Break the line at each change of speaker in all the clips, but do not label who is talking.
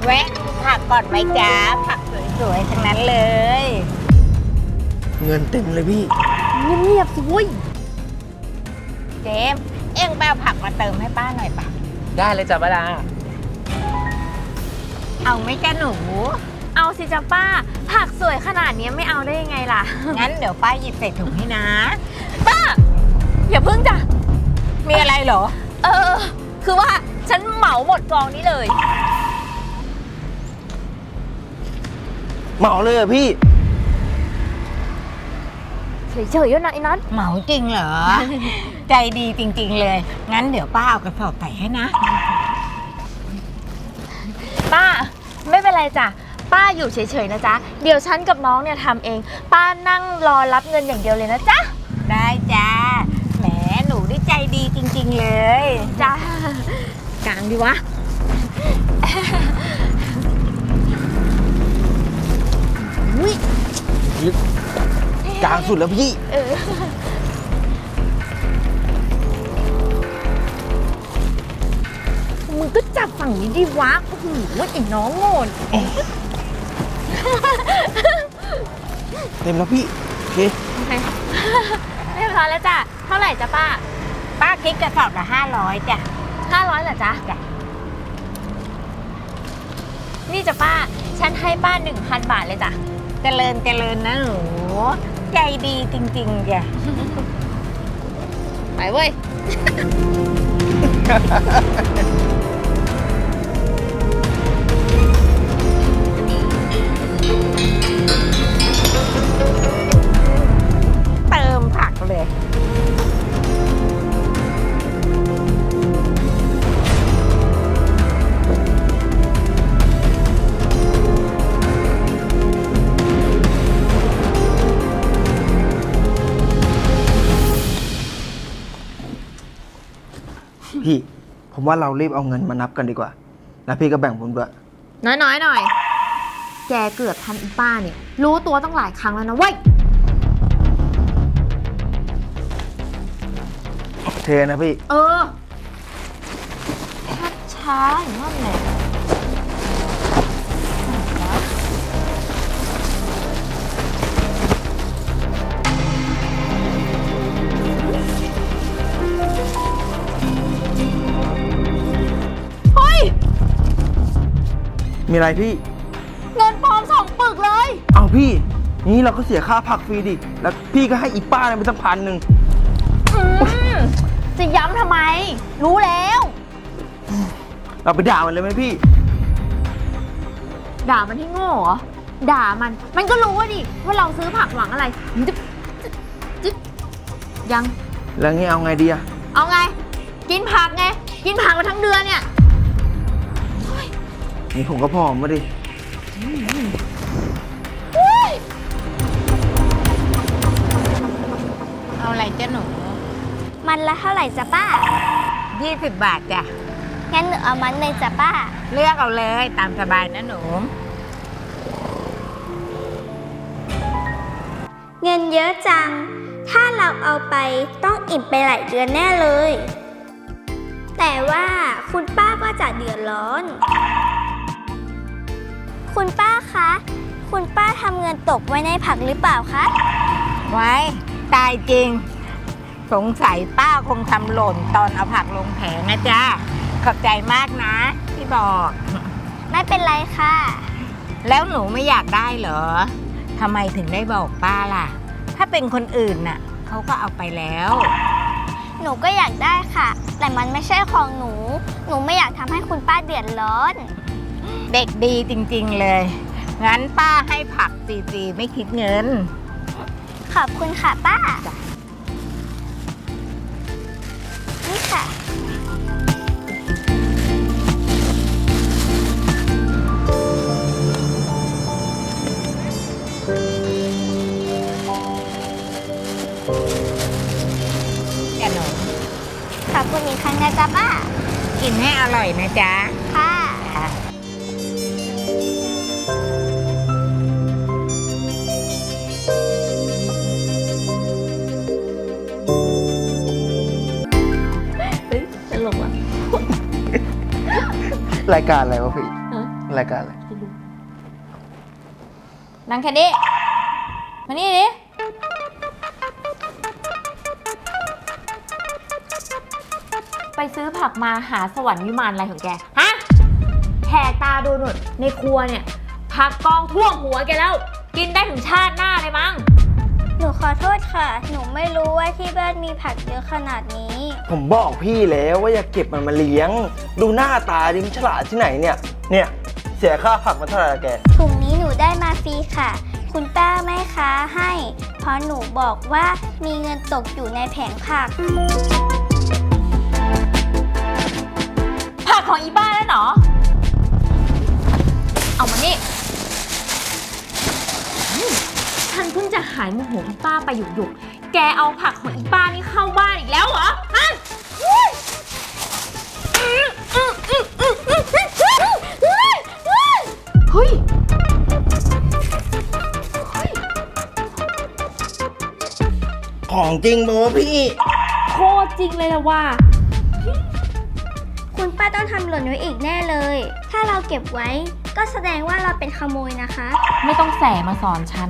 แวะดูผักก่อนไหมจ๊ะผักสวยๆทั้งนั้นเลย
เงินเต็มเลยพี่
เงียบๆสิเว้ย
เจมส์เอ็งไปเอาผักมาเติมให้ป้าหน่อยป่ะ
ได้เลยจ้ะป้าดา
เอาไหมจ๊ะหนู
เอาสิจ้ะป้าผักสวยขนาดนี้ไม่เอาได้ยังไงล่ะ
งั้นเดี๋ยวป้าหยิบใส่ถุงให้นะ
ป้า อย่าพึ่งจ้ะ
มีอะไรเหรอ
คือว่าฉันเหมาหมดกองนี้เลย
เหมาเลยเหรอพี่
เฉยๆนะไอ้นัท
เหมาจริงเหรอ ใจดีจริงๆเลย งั้นเดี๋ยวป้าเอากระสอบใส่ให้นะ
ป้าไม่เป็นไรจ้ะป้าอยู่เฉยๆนะจ๊ะเดี๋ยวฉันกับน้องเนี่ยทำเอง ป้านั่งรอรับเงินอย่างเดียวเลยนะจ๊ะ
ได้จ้าแหมหนูได้ใจดีจริงๆเลย
จ้ะกลางดีวะ อุ้ย
กลางสุดแล้วพี่
มึงก็จับฝั่งนี้ดิวะโอ้โหไอ้น้องโง่
เต็มแล้วพี่ โอเค
เรียบร้อยแล้วจ้ะเท่าไหร่จ้ะป้า
ป้าคิดกระสอบละ500จ้ะ
500เหรอจ๊ะ
จ้ะ
นี่จ้ะป้า ฉันให้ป้า 1,000 บาทเลยจ้ะ
เจริญเจริญนะหนู ใจดีจริงๆจ้ะ
ไปเว้ย
เติมผักเลย
พี่ ผมว่าเรารีบเอาเงินมานับกันดีกว่า แล้วพี่ก็แบ่งผมด้วย
น้อยหน่อย แกเกือบทำอีป้าเนี่ย รู้ตัวตั้งหลายครั้งแล้วนะเว้ย
เทนะพี่
ช้าๆอย่างนั้นแหละเฮ้ย
มีอะไรพี่
เงินปลอม2 ปึกเลย
เอาพี่ นี่เราก็เสียค่าผักฟรีดิ แล้วพี่ก็ให้อีป้าเนี่ยไปตั้ง1,000
จะย้ำทำไม รู้แล้ว
เราไปด่ามันเลยไหมพี่
ด่ามันที่โง่เหรอ ด่ามันก็รู้ว่าดิว่าเราซื้อผักหวังอะไรจึ๊บยัง
แล้วงี้เอาไงดีอะ
เอาไง กินผักไง กินผักมาทั้งเดือนเนี่ย
นี่ผมก็พอมาดิ
เอาอะไรจ้ะหนู
มันละเท่าไหร่จ้ะป้า
20 บาทจ้ะ
งั้นหนูเอามันเลยจ้ะป้า
เลือกเอาเลยตามสบายนะหนู
เงินเยอะจัง ถ้าเราเอาไปต้องอิ่มไปหลายเดือนแน่เลย แต่ว่าคุณป้าก็จะเดือดร้อน คุณป้าคะ คุณป้าทำเงินตกไว้ในผักหรือเปล่าคะ
ไว้ตายจริง สงสัยป้าคงทำหล่นตอนเอาผักลงแผงนะจ๊ะ ขอบใจมากนะที่บอก
ไม่เป็นไรค่ะ
แล้วหนูไม่อยากได้เหรอทำไมถึงได้บอกป้าล่ะ ถ้าเป็นคนอื่นน่ะเขาก็เอาไปแล้ว
หนูก็อยากได้ค่ะ แต่มันไม่ใช่ของหนู หนูไม่อยากทำให้คุณป้าเดือดร้อน
เด็กดีจริงๆเลย งั้นป้าให้ผักฟรีๆไม่คิดเงิน
ขอบคุณค่ะป้า นี่ค่ะ
จ้ะหนู
ขอบคุณอีกครั้งนะจ๊ะป้า
กินให้อร่อยนะจ๊ะ
ค่ะ
ค่ะ
ตลกอ่ะ
รายการอะไรวะพี่
ฮะ
รายการอะไร
นั่งแค่นี้มานี่ดิไปซื้อผักมาหาสวรรค์วิมานอะไรของแก ฮะแหกตาดูหนุนในครัวเนี่ยผักกองท่วมหัวแกแล้ว กินได้ถึงชาติหน้าเลยมั้ง
หนูขอโทษค่ะ หนูไม่รู้ว่าที่บ้านมีผักเยอะขนาดนี้
ผมบอกพี่แล้วว่าอย่าเก็บมันมาเลี้ยง ดูหน้าตาดิมนฉลาดที่ไหนเนี่ยเสียค่าผักมันเท่าไหร่ละแก
ถุงนี้หนูได้มาฟรีค่ะ คุณป้าแม่ค้าให้ เพราะหนูบอกว่ามีเงินตกอยู่ในแผงผัก
ผักของอีบ้าแล้วเหรอ เอามานี่ฉันเพิ่งจะหายโมโหอีป้าไปหยุกๆแกเอาผักของอีป้านี่เข้าบ้านอีกแล้วเหรอ ฮะเฮ้ย
ของจริงโมพี่
โคตรจริงเลยละว่า
คุณป้าต้องทำหล่นไว้อีกแน่เลย ถ้าเราเก็บไว้ก็แสดงว่าเราเป็นขโมยนะคะ
ไม่ต้องแสมาสอนฉัน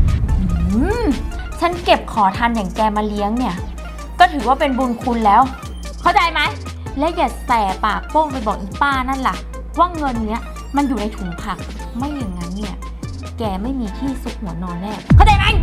ฉันเก็บขอทานอย่างแกมาเลี้ยงเนี่ย ก็ถือว่าเป็นบุญคุณแล้ว เข้าใจไหม และอย่าแสปากโป้งไปบอกอีป้านั่นล่ะ ว่าเงินเนี้ยมันอยู่ในถุงผัก ไม่อย่างนั้นเนี่ย แกไม่มีที่ซุกหัวนอนแน่ เข้าใจไหม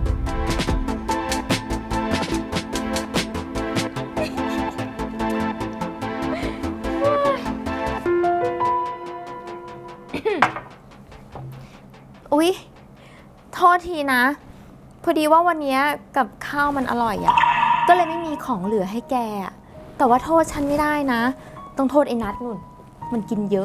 อุ๊ย โทษทีนะ พอดีว่าวันนี้กับข้าวมันอร่อยอะ่ะ ก็เลยไม่มีของเหลือให้แกอะแต่ว่าโทษฉันไม่ได้นะ ต้องโทษไอ้นัทนุ่น มันกินเยอะ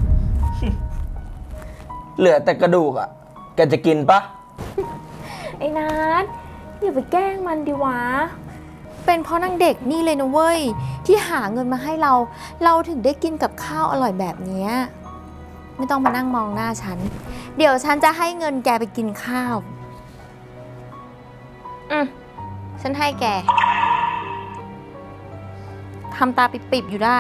เหลือแต่กระดูกอ่ะ แกจะกินปะ
ไอ้นัทอย่าไปแกล้งมันดิวะ เป็นเพราะนางเด็กนี่เลยนะเว้ย ที่หาเงินมาให้เรา เราถึงได้กินกับข้าวอร่อยแบบนี้ ไม่ต้องมานั่งมองหน้าฉัน เดี๋ยวฉันจะให้เงินแกไปกินข้าว ฉันให้แก ทำตาปิบๆอยู่ได้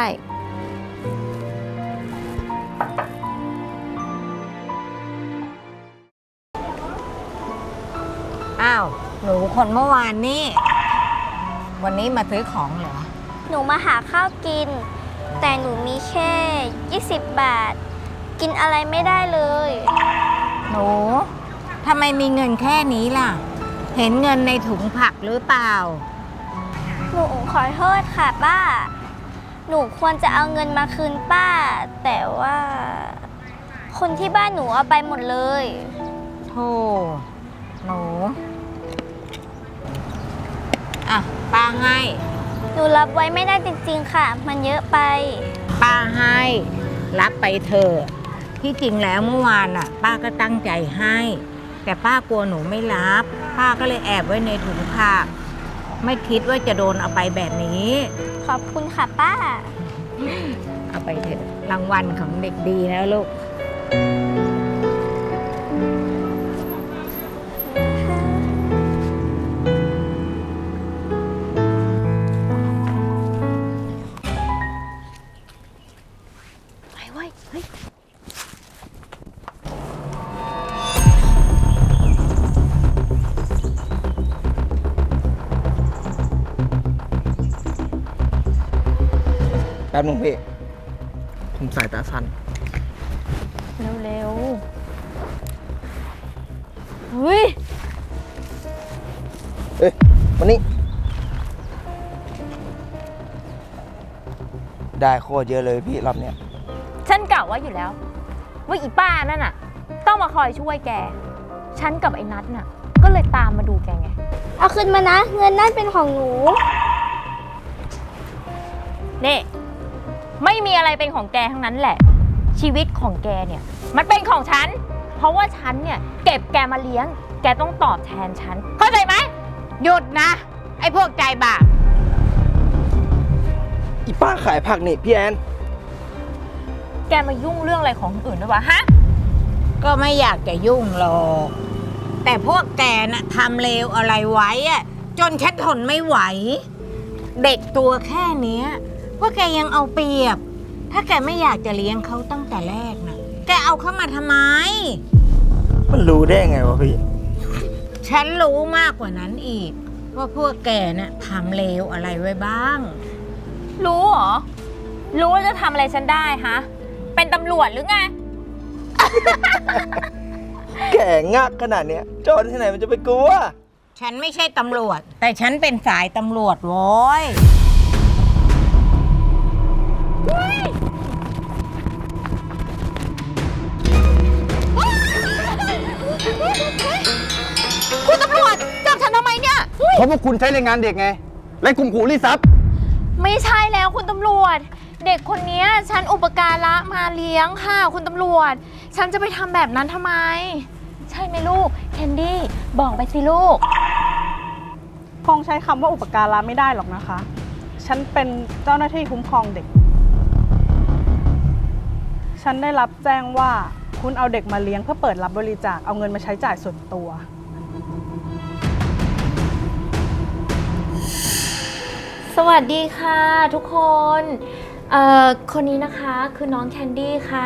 อ้าว หนูคนเมื่อวานนี่ วันนี้มาซื้อของเหรอ
หนูมาหาข้าวกิน แต่หนูมีแค่ 20 บาท กินอะไรไม่ได้เลย
หนูทำไมมีเงินแค่นี้ล่ะ เห็นเงินในถุงผักหรือเปล่า
หนูขอโทษค่ะป้า หนูควรจะเอาเงินมาคืนป้า แต่ว่า คนที่บ้านหนูเอาไปหมดเลย
โธ่หนู อ่ะ ป้าให้
หนูรับไว้ไม่ได้จริงๆค่ะ มันเยอะไป
ป้าให้ รับไปเถอะที่จริงแล้วเมื่อวานน่ะ ป้าก็ตั้งใจให้ แต่ป้ากลัวหนูไม่รับ ป้าก็เลยแอบไว้ในถุงผัก ไม่คิดว่าจะโดนเอาไปแบบนี้
ขอบคุณค่ะป้า
เอาไปเถอะรางวัลของเด็กดีนะลูก
ไปเว้ย เฮ้ย
แป๊บนึงพี่ ผมสายตาสั้น
เร็วๆ เฮ้ย
เอ้ยวันนี้ ได้โคตรเยอะเลยพี่รอบเนี้ย
ฉันกะว่าอยู่แล้ว ว่าอีป้านั่นน่ะ ต้องมาคอยช่วยแก ฉันกับไอ้นัทน่ะ ก็เลยตามมาดูแกไง
เอาคืนมานะ เงินนั่นเป็นของหนู
นี่ ไม่มีอะไรเป็นของแกทั้งนั้นแหละ ชีวิตของแกเนี่ย มันเป็นของฉัน เพราะว่าฉันเนี่ย เก็บแกมาเลี้ยง แกต้องตอบแทนฉัน เข้าใจไหม
หยุดนะ ไอ้พวกใจบาป
อีป้าขายผักนี่พี่แอน
แกมายุ่งเรื่องอะไรของคนอื่นด้วยวะฮะ
ก็ไม่อยากจะยุ่งหรอก แต่พวกแกน่ะทำเลวอะไรไว้อะจนฉันทนไม่ไหว เด็กตัวแค่เนี้ยพวกแกยังเอาเปรียบ ถ้าแกไม่อยากจะเลี้ยงเขาตั้งแต่แรกนะแกเอาเข้ามาทำไม
มันรู้ได้ไงวะพี่
ฉันรู้มากกว่านั้นอีก ว่าพวกแกน่ะทำเลวอะไรไว้บ้าง
รู้เหรอ รู้ว่าจะทำอะไรฉันได้ฮะ เป็นตำรวจหรือไง
แก่งักขนาดเนี้ยโจรที่ไหนมันจะไปกลัว
ฉันไม่ใช่ตำรวจ แต่ฉันเป็นสายตำรวจโว้ย
คุณตำรวจจับฉันทำไมเนี่ย
เพราะพวกคุณใช้แรงงานเด็กไง และข่มขู่รีดทรัพย์
ไม่ใช่แล้วคุณตำรวจ เด็กคนนี้ฉันอุปการะมาเลี้ยงค่ะคุณตำรวจ ฉันจะไปทำแบบนั้นทำไม ใช่ไหมลูกแคนดี้บอกไปสิลูก
คงใช้คำว่าอุปการะไม่ได้หรอกนะคะ ฉันเป็นเจ้าหน้าที่คุ้มครองเด็ก ฉันได้รับแจ้งว่าคุณเอาเด็กมาเลี้ยงเพื่อเปิดรับบริจาคเอาเงินมาใช้จ่ายส่วนตัว
สวัสดีค่ะทุกคนคนนี้นะคะคือน้องแคนดี้ค่ะ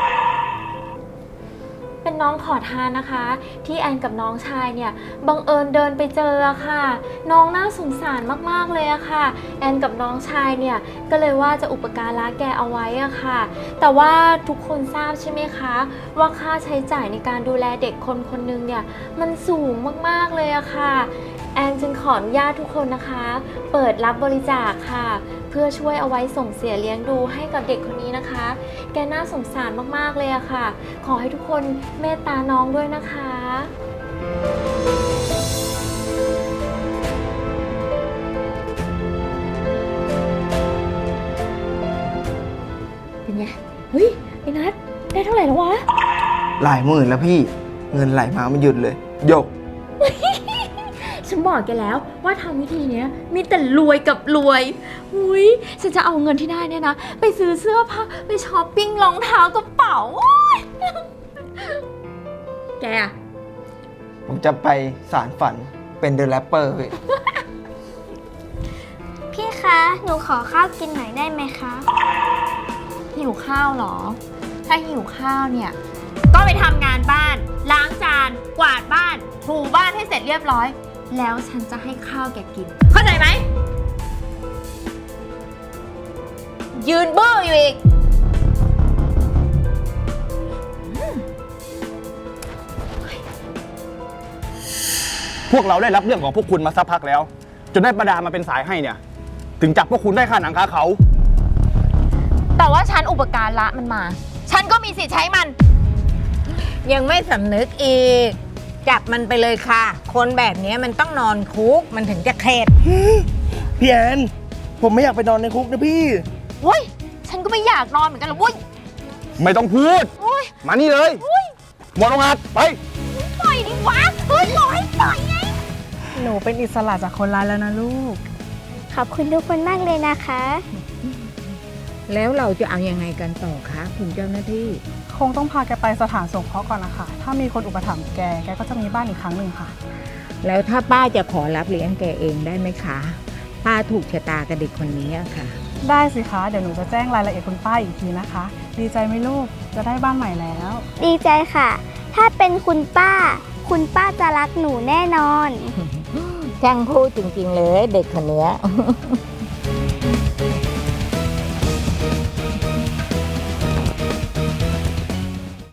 เป็นน้องขอทานนะคะ ที่แอนกับน้องชายเนี่ยบังเอิญเดินไปเจอค่ะ น้องน่าสงสารมากๆเลยอะค่ะ แอนกับน้องชายเนี่ยก็เลยว่าจะอุปการะแกเอาไว้อะค่ะ แต่ว่าทุกคนทราบใช่ไหมคะว่าค่าใช้จ่ายในการดูแลเด็กคนคนนึงเนี่ยมันสูงมากๆเลยอะค่ะ แอนจึงขออนุญาตทุกคนนะคะ เปิดรับบริจาคค่ะ เพื่อช่วยเอาไว้ส่งเสียเลี้ยงดูให้กับเด็กคนนี้นะคะ แกน่าสงสารมากๆเลยอะค่ะ ขอให้ทุกคนเมตตาน้องด้วยนะคะ เป็นไง เฮ้ยไอ้นัทได้เท่าไหร่แล้ววะ
หลายหมื่นแล้วพี่ เงินไหลมาไม่หยุดเลยหยก
ฉันบอกแกแล้วว่าทำวิธีเนี้ยมีแต่รวยกับรวยอุ้ยฉันจะเอาเงินที่ได้เนี่ยนะ ไปซื้อเสื้อผ้าไปช้อปปิ้งรองเท้ากระเป๋าโอ๊ยแกอะ
ผมจะไปสารฝันเป็นเดอะแรปเปอร์พี่
พี่คะ หนูขอข้าวกินหน่อยได้ไหมคะ
หิวข้าวเหรอ ถ้าหิวข้าวเนี่ย ก็ไปทำงานบ้าน ล้างจาน กวาดบ้าน ถูบ้านให้เสร็จเรียบร้อย แล้วฉันจะให้ข้าวแกกิน เข้าใจไหม ยืนเบ้ออยู่อีก
พวกเราได้รับเรื่องของพวกคุณมาสักพักแล้ว จนได้ประดามาเป็นสายให้เนี่ย ถึงจับพวกคุณได้ค่าหนังค่าเขา
แต่ว่าฉันอุปการะมันมา ฉันก็มีสิทธิ์ใช้มัน
ยังไม่สำนึกอีก จับมันไปเลยค่ะ คนแบบนี้มันต้องนอนคุก มันถึงจะเข็ด
พี่แอนผมไม่อยากไปนอนในคุกนะพี่
เว้ย ฉันก็ไม่อยากนอนเหมือนกันหรอกเว้ย
ไม่ต้องพูด
โอ๊ย
มานี่เลยหมดโรงงานไป
ปล่อยดิวะ เฮ้ยบอกให้ปล่อยไง
หนูเป็นอิสระจากคนร้ายแล้วนะลูก
ขอบคุณทุกคนมากเลยนะคะ
แล้วเราจะเอายังไงกันต่อคะคุณเจ้าหน้าที่
คงต้องพาแกไปสถานสงเคราะห์ก่อนนะคะ ถ้ามีคนอุปถัมภ์แกก็จะมีบ้านอีกครั้งหนึ่งค่ะ
แล้วถ้าป้าจะขอรับเลี้ยงแกเองได้ไหมคะ ป้าถูกชะตากับเด็กคนนี้อะค่ะ
ได้สิคะ เดี๋ยวหนูจะแจ้งรายละเอียดคุณป้าอีกทีนะคะ ดีใจไหมลูก จะได้บ้านใหม่แล้ว
ดีใจค่ะ ถ้าเป็นคุณป้า คุณป้าจะรักหนูแน่นอน
ช่างพูดจริงๆเลยเด็กคนเนี้ย